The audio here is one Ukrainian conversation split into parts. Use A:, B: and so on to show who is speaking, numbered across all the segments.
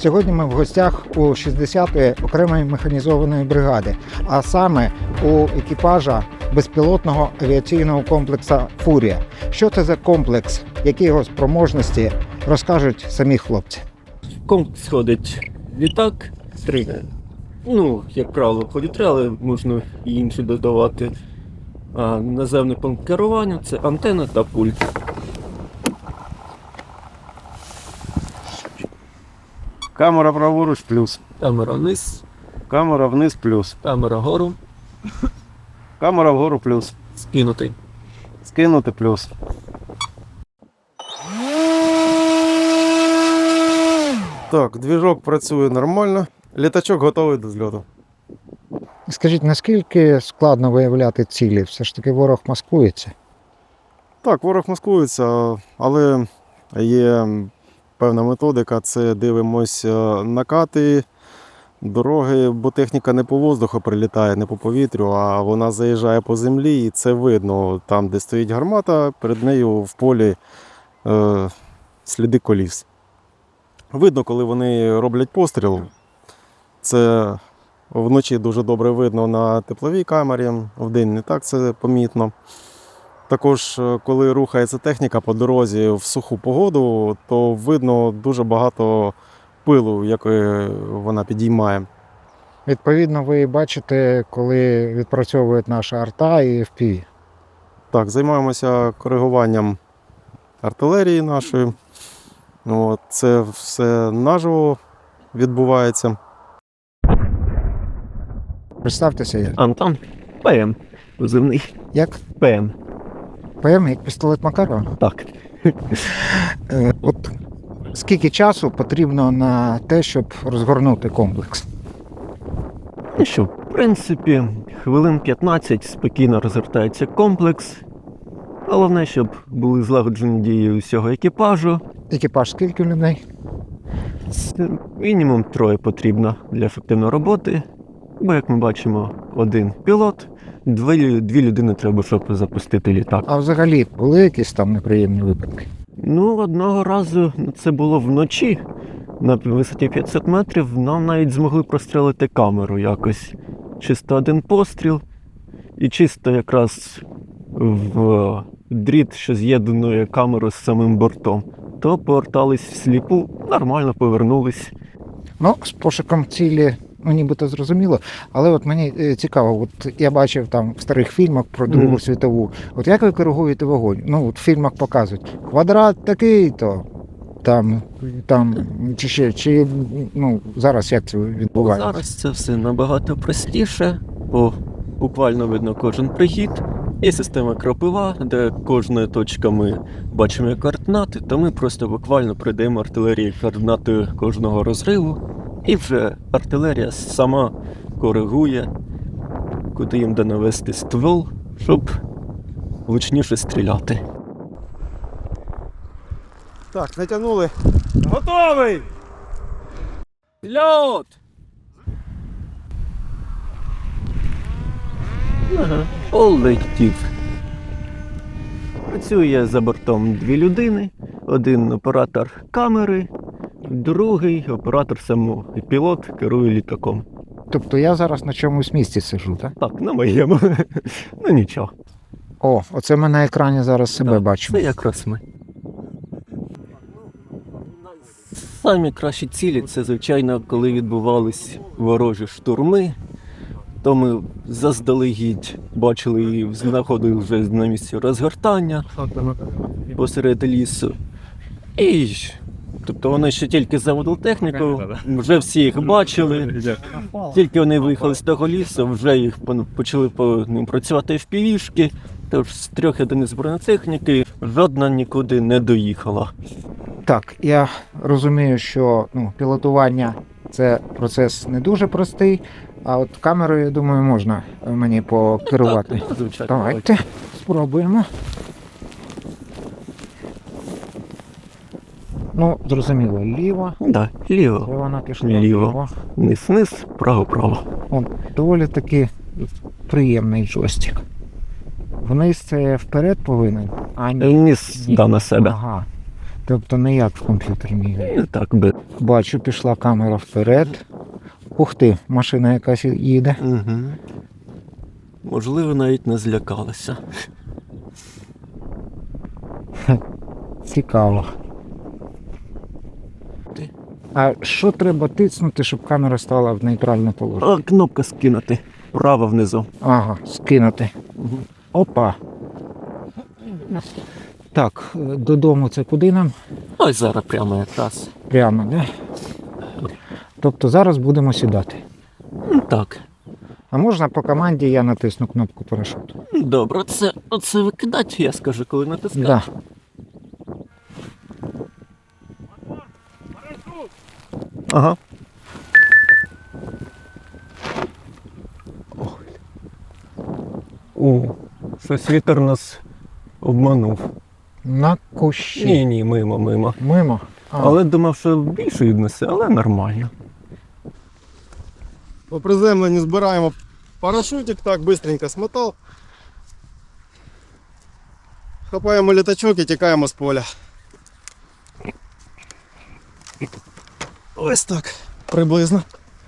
A: Сьогодні ми в гостях у 60-ї окремої механізованої бригади, а саме у екіпажа безпілотного авіаційного комплексу «Фурія». Що це за комплекс, які його спроможності, розкажуть самі хлопці.
B: В комплекс ходить літак, як правило, ходять 3, але можна і інші додавати. А наземний пункт керування – це антенна та пульт.
C: Камера праворуч плюс.
B: Камера вниз,
C: Камера вниз плюс.
B: камера вгору,
C: Камера вгору плюс.
B: скинутий.
C: Скинути плюс. Так, движок працює нормально. Літачок готовий до зльоту.
A: Скажіть, наскільки складно виявляти цілі? Все ж таки ворог маскується.
C: Так, ворог маскується, але є певна методика. Це дивимось накати, дороги, бо техніка не по воздуху прилітає, не по повітрю, а вона заїжджає по землі, і це видно. Там, де стоїть гармата, перед нею в полі сліди коліс. Видно, коли вони роблять постріл. Це вночі дуже добре видно на тепловій камері, вдень не так це помітно. Також, коли рухається техніка по дорозі в суху погоду, то видно дуже багато пилу, який вона підіймає.
A: Відповідно, ви бачите, коли відпрацьовують наша арта і FPV.
C: Так, займаємося коригуванням артилерії нашої. Це все наживо відбувається.
A: Представтеся як.
B: Антон, ПМ, позивний.
A: Як?
B: ПМ.
A: ПМ, як пістолет Макарова?
B: Так.
A: От скільки часу потрібно на те, щоб розгорнути комплекс?
B: Ну що, в принципі, хвилин 15 спокійно розгортається комплекс. Головне, щоб були злагоджені дії усього екіпажу.
A: Екіпаж скільки людей?
B: Мінімум 3 потрібно для ефективної роботи. Бо, як ми бачимо, 1 пілот, 2 людини треба, щоб запустити літак.
A: А взагалі були якісь там неприємні випадки?
B: Одного разу, це було вночі, на висоті 500 метрів, нам навіть змогли прострелити камеру якось. Чисто 1 постріл, і чисто якраз в дріт, що з'єднує камеру з самим бортом. То повертались всліпу, нормально повернулись.
A: З пошуком цілі, нібито зрозуміло, але от мені цікаво, от я бачив там в старих фільмах про Другу світову, от як ви коригуєте вогонь? В фільмах показують, квадрат такий-то, там, чи зараз як це відбувається?
B: Зараз це все набагато простіше, бо буквально видно кожен прихід. Є система кропива, де кожною точкою ми бачимо координати, то ми просто буквально придаємо артилерії координати кожного розриву, і вже артилерія сама коригує, куди їм де навести ствол, щоб влучніше стріляти.
C: Так, натягнули. Готовий!
B: Льот! Полетів. Працює за бортом 2 людини, 1 оператор камери, другий оператор самого. І пілот керує літаком.
A: Тобто я зараз на чомусь місці сиджу, так?
B: Так, на моєму. Нічого.
A: Оце ми на екрані зараз себе
B: Так,
A: бачимо.
B: це якраз ми. Самі кращі цілі – це, звичайно, коли відбувались ворожі штурми, то ми заздалегідь бачили і знаходили вже на місці розгортання посеред лісу. Тобто вони ще тільки заводили техніку, вже всі їх бачили. Тільки вони виїхали з того лісу, вже їх почали по ним працювати FPV-шки. Тож з 3 одиниць бронетехніки жодна нікуди не доїхала.
A: Так, я розумію, що пілотування – це процес не дуже простий, а от камерою, я думаю, можна мені покерувати.
B: Так, звичайно.
A: Давайте спробуємо. Зрозуміло, ліво.
B: Так, ліво.
A: Це вона пішла
B: Ліво. Вниз, право.
A: Доволі таки приємний джойстик. Вниз це вперед повинен?
B: Вниз, на себе.
A: Ага. Тобто не як в комп'ютерній грі.
B: Не так би.
A: Бачу, пішла камера вперед. Ух ти, машина якась їде.
B: Угу. Можливо, навіть не злякалися.
A: Цікаво.
B: Ти.
A: А що треба тиснути, щоб камера стала в нейтральне положення?
B: А, кнопка скинути. Право внизу.
A: Ага, скинути.
B: Угу.
A: Опа. Так, додому це куди нам?
B: Ось зараз прямо якраз.
A: Прямо, да? Тобто зараз будемо сідати.
B: Так.
A: А можна по команді я натисну кнопку парашуту?
B: Добре, оце викидати, я скажу, коли натискати.
A: Да.
B: Ага. Щось вітер нас обманув.
A: На кущі.
B: Ні, мимо.
A: Мимо. А,
B: Але думав, що більше віднесе, але нормально.
C: По приземленню збираємо парашутик, так, быстренько смотав. Хапаємо літачок і тікаємо з поля. Ось так, приблизно.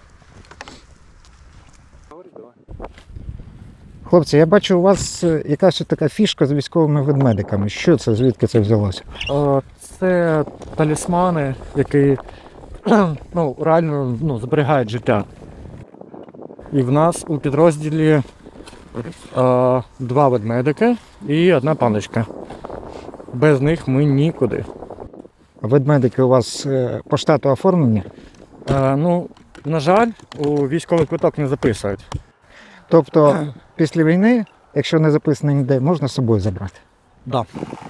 A: Хлопці, я бачу, у вас якась така фішка з військовими ведмедиками. Що це, звідки це взялося?
D: Це талісмани, які реально зберігають життя. І в нас у підрозділі 2 ведмедики і 1 паночка. Без них ми нікуди.
A: Ведмедики у вас по штату оформлені?
D: На жаль, у військовий квиток не записують.
A: Тобто після війни, якщо не записано ніде, можна з собою забрати?
D: Да.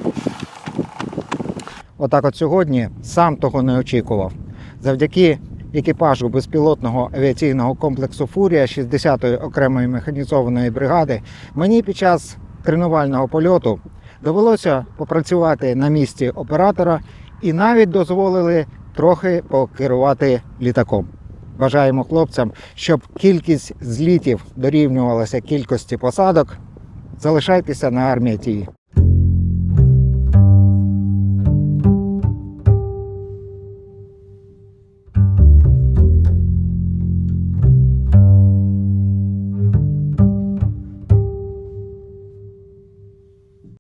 A: Отак от сьогодні сам того не очікував. Завдяки екіпажу безпілотного авіаційного комплексу «Фурія» 60-ї окремої механізованої бригади мені під час тренувального польоту довелося попрацювати на місці оператора і навіть дозволили трохи покерувати літаком. Бажаємо хлопцям, щоб кількість злітів дорівнювалася кількості посадок. Залишайтеся на Армія ТІВІ.